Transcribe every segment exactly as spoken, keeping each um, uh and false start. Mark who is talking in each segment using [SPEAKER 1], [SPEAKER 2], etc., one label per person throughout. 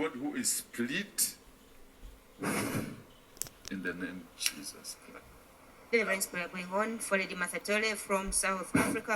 [SPEAKER 1] God who is split in the name of Jesus Christ.
[SPEAKER 2] Deliverance prayer going on for Lady Masatole from South Africa.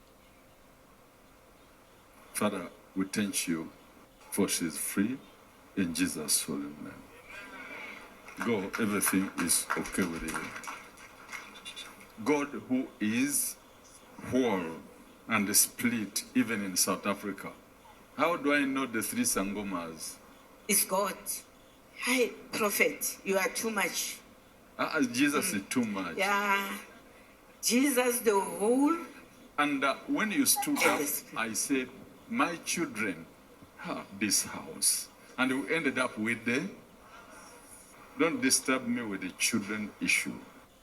[SPEAKER 1] Father, we thank you for she's free in Jesus' holy name. Go, everything is okay with you. God who is whole and split even in South Africa. How do I know the three Sangomas?
[SPEAKER 2] It's God. Hi, Prophet, you are too much.
[SPEAKER 1] Uh, Jesus mm. is too much.
[SPEAKER 2] Yeah. Jesus, the whole.
[SPEAKER 1] And uh, when you stood up, I said, my children have this house. And we ended up with the, don't disturb me with the children issue.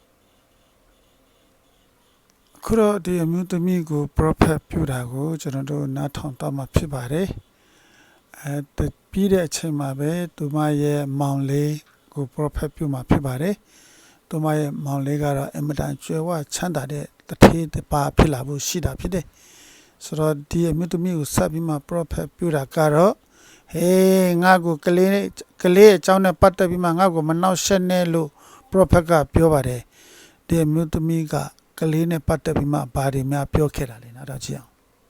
[SPEAKER 3] ခုတော့ဒီအမျိုးသမီးကို prophet ပြုတာကိုကျွန်တော်တို့နားထောင်တော့မှာဖြစ်ပါတယ်အဲပြီးတဲ့အချိန်မှာပဲသူမရဲ့မောင်လေးကို prophet ပြုမှာဖြစ်ပါတယ်သူမရဲ့မောင်လေးကတော့အင်မတန်ကျွယ်ဝချမ်းသာတဲ့တထေးတစ်ပါးဖြစ်လာဖို့ရှိတာဖြစ်တယ်ဆိုတော့ဒီအမျိုးသမီးကိုဆက်ပြီးမှ prophet ပြုတာကတော့ဟေးငါ့ကိုကလေးကလေးအကြောင်းနဲ့ပတ်သက်ပြီးမှငါ့ကိုမနှောက်ယှက်နဲ့လို့ prophet ကပြောပါတယ်ဒီအမျိုးသမီးကကလေးနဲ့ပတ်သက်ပြီးမှဘာတွေများပြောခဲ့တာလဲနောက်တော့ကြည့်အောင်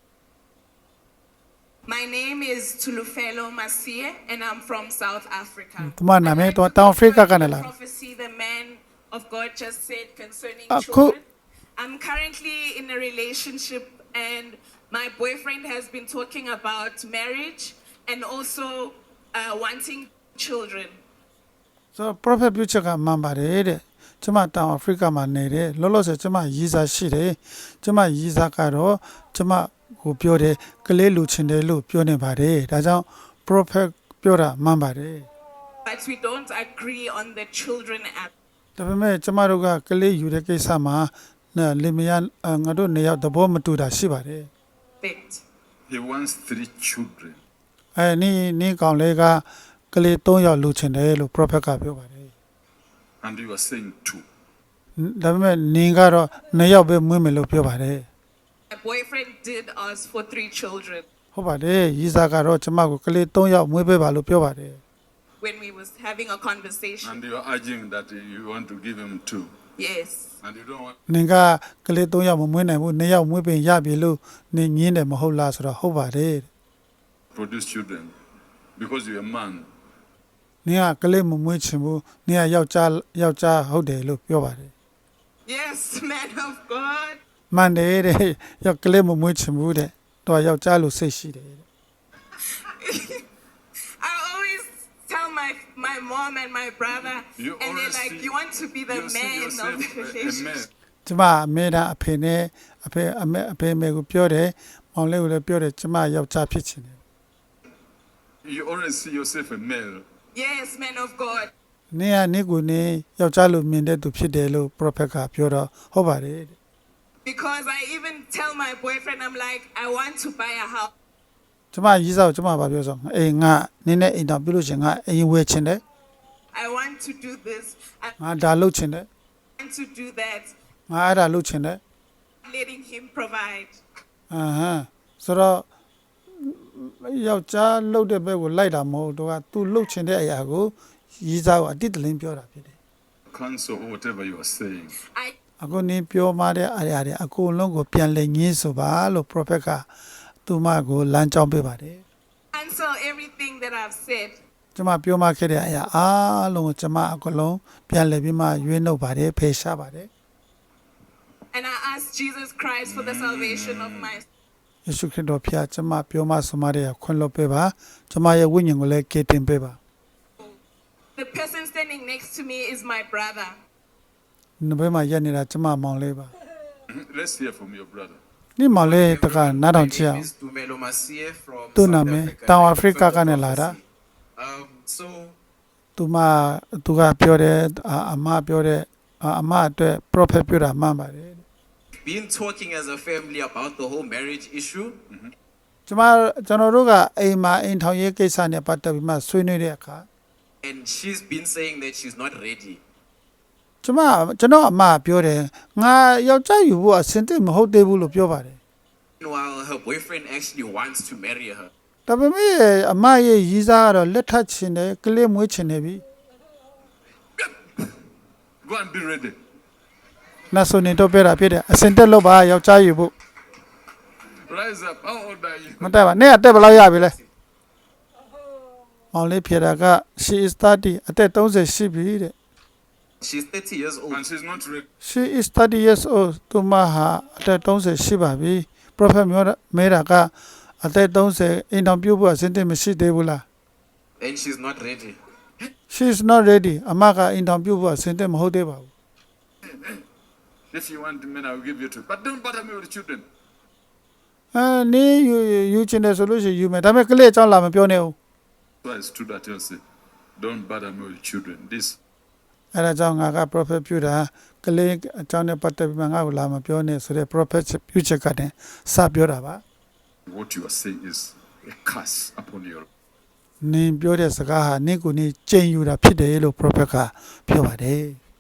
[SPEAKER 4] My name is Tulufelo Masie and I'm from South Africa.
[SPEAKER 3] ဒီမှာနာမည်တော့တောင်အာဖရိကကနေလာ
[SPEAKER 4] Prophecy the man of God just said concerning
[SPEAKER 3] Ah,
[SPEAKER 4] children.
[SPEAKER 3] cool.
[SPEAKER 4] I'm currently in a relationship and my boyfriend has been talking about marriage and also uh, wanting children.
[SPEAKER 3] so prophet ပြုချက်ကမှန်ပါတယ်တဲ့ကျမတောင်အာဖရိကမှာနေတယ်လောလောဆယ်ကျမရီးစားရှိတယ်ကျမရီးစားကတော့ကျမကိုပြောတယ်ကလေးလူချင်တယ်လို့ပြောနေပါတယ်ဒါကြောင့် prophet ပြောတာမှန်ပါတယ်
[SPEAKER 4] But we don't agree on the children aspect.
[SPEAKER 3] ဒါပေမဲ့ကျမတို့ကကလေးယူတဲ့ကိစ္စမှာလင်မယားငါတို့နေရောက်သဘောမတူတာရှိပါတယ်
[SPEAKER 1] He wants three children.
[SPEAKER 3] အဲနီနီကောင်လေးကကလေးသုံးယောက်လူချင်တယ်လို့ prophet ကပြောပါတယ်
[SPEAKER 1] And you are saying two.
[SPEAKER 3] ဒါပေမဲ့နင်ကတော့နှစ်ယောက်ပဲမွေးမယ်လို့ပြောပါတယ်
[SPEAKER 4] My boyfriend did ask for three children
[SPEAKER 3] ဟုတ်ပါတယ်ရီးစားကတော့ကျမကိုကလေးသုံးယောက်မွေးပေးပါလို့ပြောပါတယ်
[SPEAKER 4] when we was having a conversation.
[SPEAKER 1] And you are urging that you want to give him two.
[SPEAKER 4] Yes.
[SPEAKER 1] And you don't want
[SPEAKER 3] နင်ကကလေးသုံးယောက်မမွေးနိုင်ဘူးနှစ်ယောက်မွေးပင်ရပြီလို့နင်ညင်းတယ်မဟုတ်လားဆိုတော့ဟုတ်ပါတယ်
[SPEAKER 1] to produce children because you're a man.
[SPEAKER 3] နင်ကကလေးမမွေးချင်ဘူးနင်ကယောက်ျားယောက်ျားဟုတ်တယ်လို့ပြောပါတယ်
[SPEAKER 4] Yes, man of God.
[SPEAKER 3] မှန်တယ်တဲ့ယောက်ကလေးမမွေးချင်ဘူးတဲ့တော့ယောက်ျားလို့စိတ်ရှိတယ်တဲ့
[SPEAKER 4] I always tell my my mom and my brother
[SPEAKER 1] You
[SPEAKER 4] and they're
[SPEAKER 1] always
[SPEAKER 4] like
[SPEAKER 1] see-
[SPEAKER 4] you want to be the
[SPEAKER 1] you see
[SPEAKER 4] man of
[SPEAKER 1] yourself
[SPEAKER 4] the
[SPEAKER 1] a- a
[SPEAKER 4] relationship.
[SPEAKER 1] man.
[SPEAKER 3] ကျမအမေဒါအဖေနဲ့အဖေအမေအဖေမေကိုပြောတယ်မောင်လေးကိုလည်းပြောတယ်ကျမယောက်ျားဖြစ်ချင်တယ်
[SPEAKER 1] You always see yourself a male.
[SPEAKER 4] Yes, man of God.
[SPEAKER 3] နင်ကနင့်ကိုနေယောက်ျားလို့မြင်တဲ့သူဖြစ်တယ်လို့ prophet ကပြောတော့ဟုတ်ပါတယ်တဲ့
[SPEAKER 4] Because I even tell my boyfriend, I'm like, I want to buy a house.
[SPEAKER 3] ကျမရီးစားကိုကျမဘာပြောဆိုအေးငါနင်းနဲ့အိမ်တော်ပြုလို့ရှင်ငါအိမ်ဝယ်ချင်တယ်
[SPEAKER 4] I want to do this. I
[SPEAKER 3] ငါဒါလုပ်ချင်တယ်
[SPEAKER 4] want to do that.
[SPEAKER 3] ငါအဲ့ဒါလုပ်ချင်တယ်
[SPEAKER 4] Letting him provide.
[SPEAKER 3] အဟမ်းဆိုတော့ယောက်ျားလုပ်တဲ့ဘက်ကိုလိုက်တာမဟုတ်တော့က तू လုပ်ချင်တဲ့အရာကိုရီးစားကိုအတိတ်တလင်းပြောတာဖြစ်တယ်
[SPEAKER 1] Cancel whatever you are saying.
[SPEAKER 4] I
[SPEAKER 3] အခုနင်းပြောမှတဲ့အရာတွေအကုန်လုံးကိုပြန်လည်ငင်းဆိုပါလို့ prophet ကသူမကိုလမ်းကြောင်းပေးပါတယ်
[SPEAKER 4] cancel everything that I've said.
[SPEAKER 3] ကျမပြောမှခဲ့တဲ့အရာအားလုံးကိုကျမအကုန်လုံးပြန်လည်ပြီးမှရွေးနှုတ်ပါတယ်ဖေရှားပါတယ်
[SPEAKER 4] And I ask Jesus Christ for the salvation of my
[SPEAKER 3] ယေရှုခရစ်တော်ဖျားကျမပြောမှဆိုမှတဲ့ခွင့်လွှတ်ပေးပါကျမရဲ့ဝိညာဉ်ကိုလည်းကယ်တင်ပေးပါ
[SPEAKER 4] The person standing next to me is my brother.
[SPEAKER 3] နဘဲမှာရက်နေတာကျမမောင်လေးပါ
[SPEAKER 1] Let's hear from your brother.
[SPEAKER 3] နိမောင်လေးတကနားထောင်ကြည့်အောင်
[SPEAKER 5] Tumelo Masie from
[SPEAKER 3] သူ့
[SPEAKER 5] South
[SPEAKER 3] နာမည်
[SPEAKER 5] Africa.
[SPEAKER 3] တောင်အာဖရိကကနေလာတာ
[SPEAKER 5] Um, so
[SPEAKER 3] သူမသူကပြောတယ်အအမပြောတယ်အမအတွက် prophet ပြောတာမှန်ပါတယ်
[SPEAKER 5] been talking as a family about the whole marriage issue.
[SPEAKER 3] ကျမကျွန်တော်တို့ကအိမ်မှာအိမ်ထောင်ရေးကိစ္စနဲ့ပတ်သက်ပြီးမှဆွေးနွေးတဲ့အခါ
[SPEAKER 5] And she's been saying that she's not ready.
[SPEAKER 3] ကျမကျွန်တော်အမပြောတယ်ငါယောက်ျားယူဖို့အဆင်သင့်မဟုတ်သေးဘူးလို့ပြောပါတယ်
[SPEAKER 5] Meanwhile, her boyfriend actually wants to marry her.
[SPEAKER 3] တဒါပေမဲ့အမရဲ့ရီးစားကတော့လက်ထပ်ချင်တယ်ကလေးမွေးချင်နေပြီ
[SPEAKER 1] Go and be ready.
[SPEAKER 3] နတ်ဆိုနေတော့ပြတာဖြစ်တယ်အစင်တက်လို့ပါယောက်ျားယူဖို့
[SPEAKER 1] Rise up. How old are you?
[SPEAKER 3] မတက်ပါနဲ့အတက်ဘယ်လောက်ရပြီလဲမောင်လေးဖြေတာက she is thirty အသက်thirtyရှိပြီတဲ့
[SPEAKER 5] She's thirty years old.
[SPEAKER 1] And she's not ready.
[SPEAKER 3] she is thirty years old သူမဟာအသက်thirtyရှိပါပြီ prophet မျိုးမဲတာကအသက်thirtyအိမ်တော်ပြုတ်ဖို့အစင်တက်မရှိသေးဘူးလား
[SPEAKER 5] And she's not ready.
[SPEAKER 3] she is not ready အမကအိမ်တော်ပြုတ်ဖို့အစင်တက်မဟုတ်သေးပါဘူး
[SPEAKER 1] If you want men, I will give you two. But don't bother me with the children.
[SPEAKER 3] အဲနေယူယူချင်တယ်ဆိုလို့ရှိရင်ယူမယ်ဒါပေမဲ့ကလေးအကြောင်းလာမပြောနဲ့ဦး
[SPEAKER 1] So I stood at you and said, don't bother me with the children. This
[SPEAKER 3] အဲဒါကြောင့်ငါက prophet ပြုတာကလေးအကြောင်းနဲ့ပတ်သက်ပြီးမှငါ့ကိုလာမပြောနဲ့ဆိုတဲ့ prophet ပြုချက်ကတည်းစပြောတာပါ
[SPEAKER 1] what you are saying is a curse upon your
[SPEAKER 3] နင်ပြောတဲ့စကားဟာနင့်ကိုနင်ကြိမ်ယူတာဖြစ်တယ်လို့ prophet ကပြောပါတယ်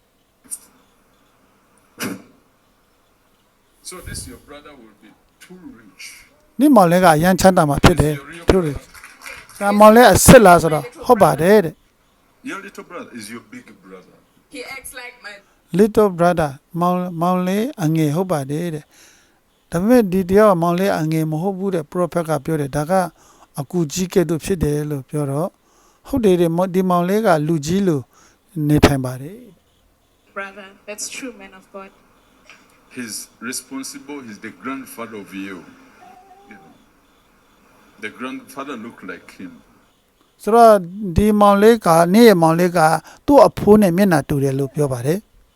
[SPEAKER 1] So this your brother will be too rich.
[SPEAKER 3] နင့်မောင်လေးကအရန်ချမ်းသာမှာဖြစ်တယ်ပြောတယ်ဒါမောင်လေးအစ်စ်လားဆိုတော့ဟုတ်ပါတယ်တဲ့
[SPEAKER 1] Your little brother is your big brother.
[SPEAKER 4] He acts like my
[SPEAKER 3] little brother မောင်မောင်လေးအငယ်ဟုတ်ပါတယ်တဲ့ဒါပေမဲ့ဒီတရားကမောင်လေးအငယ်မဟုတ်ဘူးတဲ့ prophet ကပြောတယ်ဒါကအကူကြီးကဲ့သို့ဖြစ်တယ်လို့ပြောတော့ဟုတ်တယ်တဲ့ဒီမောင်လေးကလူကြီးလို့နေထိုင်ပါတယ်
[SPEAKER 4] brother. That's true, man of God.
[SPEAKER 1] He's responsible. He's the grandfather of you. You know, the grandfather looked like him.
[SPEAKER 3] ဆိုတော့ဒီမောင်လေးကနေ့ရဲ့မောင်လေးကသူ့အဖိုးနဲ့မျက်နှာတူတယ်လို့ပြောပါတယ်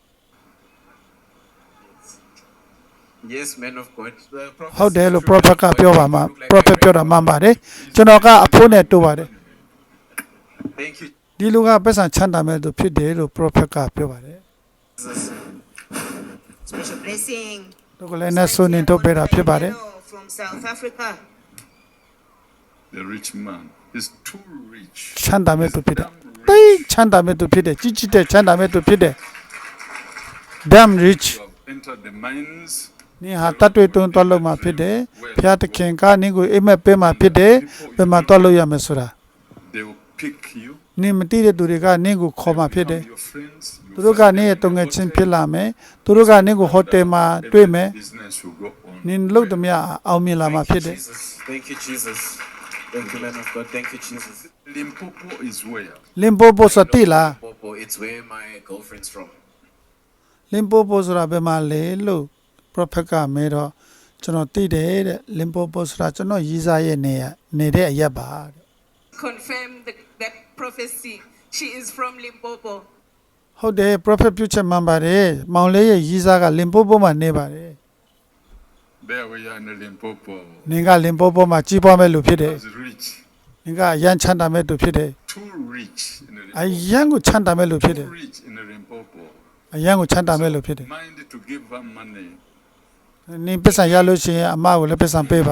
[SPEAKER 5] Yes, man of God. The prophet
[SPEAKER 3] ဟုတ်တယ်
[SPEAKER 5] said,
[SPEAKER 3] လို့
[SPEAKER 5] "Children
[SPEAKER 3] prophet က
[SPEAKER 5] of God
[SPEAKER 3] ပြောပါမှာ
[SPEAKER 5] look like
[SPEAKER 3] prophet
[SPEAKER 5] my
[SPEAKER 3] ပြောတာမှန်ပါတယ်ကျွန်တော်ကအဖိုးနဲ့တူပါတယ်
[SPEAKER 5] Thank you,
[SPEAKER 3] ဒီလူကပတ်စံချမ်းသာမဲ့သူဖြစ်တယ်လို့ prophet ကပြောပါတယ်
[SPEAKER 5] Jesus.
[SPEAKER 2] Special blessing.
[SPEAKER 3] တို့ကလည်းနဲ့ဆိုနေတော့ပြတာဖြစ်ပါတယ်
[SPEAKER 2] From South Africa.
[SPEAKER 1] The rich man is too rich.
[SPEAKER 3] ချမ်းသာမဲ့သူဖြစ်တယ်တိတ်ချမ်းသာမဲ့သူဖြစ်တယ်ကြီးကြီးတဲ့ချမ်းသာမဲ့သူဖြစ်တယ် damn rich
[SPEAKER 1] You have entered the mines.
[SPEAKER 3] နင်ဟာတတ်တွေ့တွန်းသွားလို့မှာဖြစ်တယ်ဖျားတခင်ကနင်ကိုအိမ်မက်ပေးမှာဖြစ်တယ်ဘယ်မှာသွားလို့ရမယ်ဆိုတာ
[SPEAKER 1] They will pick you.
[SPEAKER 3] နင်မသိတဲ့သူတွေကနင်ကိုခေါ်မှာဖြစ်တယ်
[SPEAKER 1] Become your friends. You
[SPEAKER 3] သူတို့ကနင့်ရဲ့တုံငယ်ချင်းဖြစ်လာမယ်သူတို့ကနင့်ကိုဟိုတယ်မှာတွေ့မယ်
[SPEAKER 1] business will go on.
[SPEAKER 3] နင်လုပ်သမျှအောင်မြင်လာမှာဖြစ်တယ်
[SPEAKER 5] Jesus. Thank you, Jesus. Thank you, man of God. Thank you, Jesus.
[SPEAKER 1] Limpopo is where?
[SPEAKER 3] လင်ပိုပိုဆိုတိလား
[SPEAKER 5] Popo, it's where my girlfriend's from.
[SPEAKER 3] လင်ပိုပိုဆိုတာဘယ်မှာလဲလို့ prophet ကမဲတော့ကျွန်တော်သိတယ်တဲ့လင်ပိုပိုဆိုတာကျွန်တော်ရီးစားရဲ့နေရနေတဲ့အရက်ပါတဲ့
[SPEAKER 4] Confirm the, that prophecy. She is from Limpopo.
[SPEAKER 3] ဟုတ်တယ် prophet ပြုချက်မှန်ပါတယ်မောင်လေးရဲ့ရီးစားကလင်ပိုပိုမှာနေပါတယ်
[SPEAKER 1] There we are in Limpopo.
[SPEAKER 3] နင်ကလင်ပိုပိုမှာကြီးပွားမဲ့လူဖြစ်တယ်
[SPEAKER 1] Is rich.
[SPEAKER 3] နင်ကအရန်ချမ်းသာမဲ့သူဖြစ်တယ်
[SPEAKER 1] Too rich in the
[SPEAKER 3] အ
[SPEAKER 1] Limpopo.
[SPEAKER 3] ရန်ကိုချမ်းသာမဲ့လူဖြစ်တယ်
[SPEAKER 1] Too rich in the Limpopo.
[SPEAKER 3] အရန်ကိုချမ်းသာမဲ့လူဖြစ်တယ်
[SPEAKER 1] Mind to give her money.
[SPEAKER 3] နင်ပစ္စံရလို့ရှိရင်အမကိုလည်းပစ္စံပေးပါ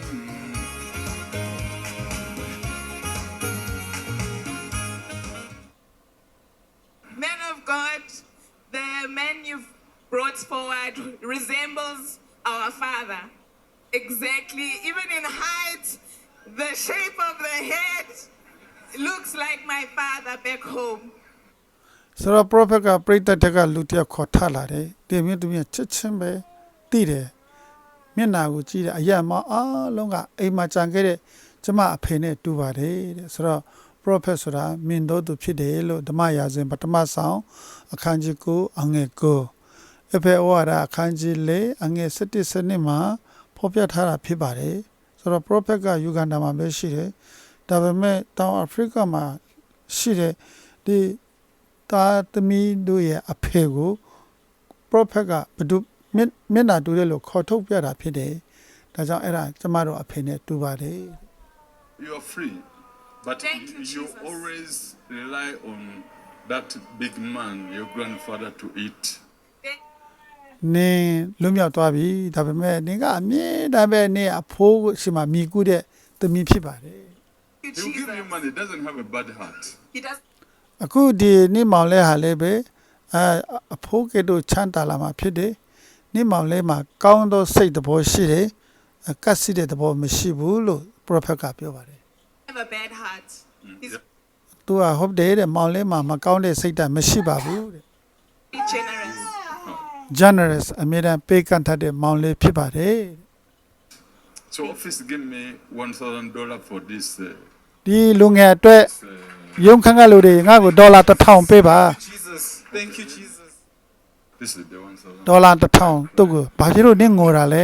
[SPEAKER 4] Man of God, the man you've brought forward resembles our father. Exactly. Even in height, the shape of the head looks like my father back home.
[SPEAKER 3] ဆိုတော့ prophet ကပရိသတ်တက်ကလူတစ်ယောက်ခေါ်ထလာတယ်ဒီမျိုးသူမျိုးချက်ချင်းပဲသိတယ်မျက်နာကိုကြည့်တယ်အရက်မအားလုံးကအိမ်မှာကြံခဲ့တဲ့ကျမအဖေနဲ့တူပါတယ်တဲ့ဆိုတော့ prophet ဆိုတာမြင်တော့သူဖြစ်တယ်လို့ဓမ္မရာဇဝင်ပထမဆောင်အခန်းကြီး၉အငယ်၉အဖေဩဝါဒအခန်းကြီး၄အငယ်၁၁စနစ်မှာဖော်ပြထားတာဖြစ်ပါတယ်ဆိုတော့ prophet ကယူဂန္ဓာမှာပဲရှိတယ်ဒါပေမဲ့တောင်အာဖရိကမှာရှိတဲ့ဒီတာသမီးတို့ရဲ့အဖေကို prophet ကဘဒုမျက်နှာတူတယ်လို့ခေါ်ထုတ်ပြတာဖြစ်တယ်ဒါကြောင့်အဲ့ဒါကျမတို့အဖေနဲ့တူပါတယ်
[SPEAKER 1] You are free. But
[SPEAKER 4] Thank you,
[SPEAKER 1] you, you
[SPEAKER 4] Jesus.
[SPEAKER 1] always rely on that big man, your grandfather, to eat.
[SPEAKER 3] နင်လွတ်မြောက်သွားပြီဒါပေမဲ့နင်ကအမြဲတမ်းပဲနင်အဖိုးရှိမှမိကူတဲ့သမီးဖြစ်ပါတယ်
[SPEAKER 4] Thank
[SPEAKER 1] He'll
[SPEAKER 4] you,
[SPEAKER 1] give you
[SPEAKER 4] Jesus.
[SPEAKER 1] money. Doesn't have a bad heart.
[SPEAKER 4] He does.
[SPEAKER 3] အခုဒီနိမောင်လဲဟာလည်းပဲအဲအဖိုးကတို့ချမ်းသာလာမှာဖြစ်တယ်နိမောင်လဲမှာကောင်းသောစိတ်သဘောရှိတယ်အကတ်စီတဲ့သဘောမရှိဘူးလို့ prophet ကပြောပါတယ်
[SPEAKER 4] have a bad heart. He's
[SPEAKER 1] Yeah.
[SPEAKER 3] သူကဟုတ်တယ်တဲ့မောင်လေးမှာမကောင်းတဲ့စိတ်ဓာတ်မရှိပါဘူးတဲ့
[SPEAKER 4] very generous.
[SPEAKER 3] generous အမြဲတမ်းပေးကမ်းတတ်တဲ့မောင်လေးဖြစ်ပါတယ်
[SPEAKER 1] So office give me one thousand dollar for this. Uh,
[SPEAKER 3] ဒီလူငယ်အတွက်
[SPEAKER 1] this, uh,
[SPEAKER 3] ရုံခန့်ကလူတွေငါ့ကိုဒေါ်လာတစ်ထောင်ပေးပါ
[SPEAKER 5] Jesus. Thank you, Jesus.
[SPEAKER 1] this is the one thousand.
[SPEAKER 3] ဒေါ်လာတစ်ထောင်သူ့ကိုဘာဖြစ်လို့နင့်ငိုတာလဲ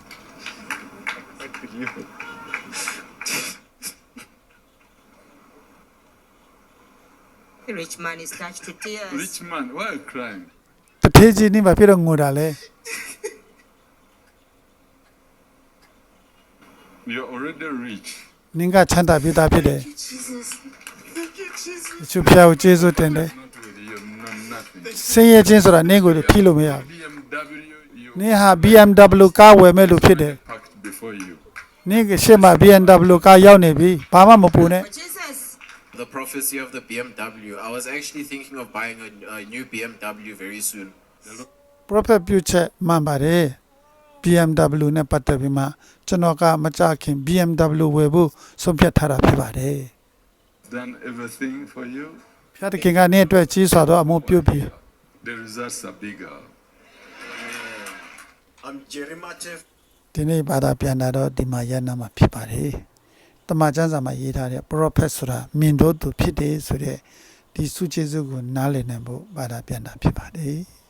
[SPEAKER 2] The rich man is touched to tears.
[SPEAKER 1] Rich man, why are you crying?
[SPEAKER 3] တထေးကြီးနင့်ဘာဖြစ်လို့ငိုတာလဲ
[SPEAKER 1] You're already rich.
[SPEAKER 3] နင်ကချမ်းသာပြီးသားဖြစ်တယ်
[SPEAKER 2] Jesus.
[SPEAKER 5] Thank you, Jesus.
[SPEAKER 3] သူဖျားကိုကျေးဇူးတင်တယ်
[SPEAKER 1] Not with you, no nothing.
[SPEAKER 3] ဆင်းရဲခြင်းဆိုတာနင့်ကိုဖြီးလို့မရဘူး
[SPEAKER 1] B M W, you
[SPEAKER 3] နင်ဟာ B M W ကားဝယ်မဲ့လူဖြစ်တယ်
[SPEAKER 1] packed before you.
[SPEAKER 3] နင့်ကရှေ့မှာ B M W ကားရောက်နေပြီဘာမှမပူနဲ့
[SPEAKER 2] For Jesus.
[SPEAKER 5] The prophecy of the B M W. I was actually thinking of buying a, a new B M W very soon.
[SPEAKER 3] prophet ပြုချက်မှန်ပါတယ် B M W နဲ့ပတ်သက်ပြီးမှကျွန်တော်ကမကြခင် B M W ဝယ်ဖို့ဆုံးဖြတ်ထားတာဖြစ်ပါတယ်
[SPEAKER 1] Done everything for you.
[SPEAKER 3] ဖျားတခင်ကနင့်အတွက်ကြီးစွာသောအမှုပြုပြီး
[SPEAKER 1] The results are bigger.
[SPEAKER 5] I'm Jeremiah Jeff.
[SPEAKER 3] ဒီနေ့ဘာသာပြန်တာတော့ဒီမှာရနာမှာဖြစ်ပါတယ်တမန်ကျမ်းစာမှာရေးထားတဲ့ prophet ဆိုတာမြင်တော့သူဖြစ်တယ်ဆိုတဲ့ဒီစုကျေစုကိုနားလည်နိုင်ဖို့ဘာသာပြန်တာဖြစ်ပါတယ်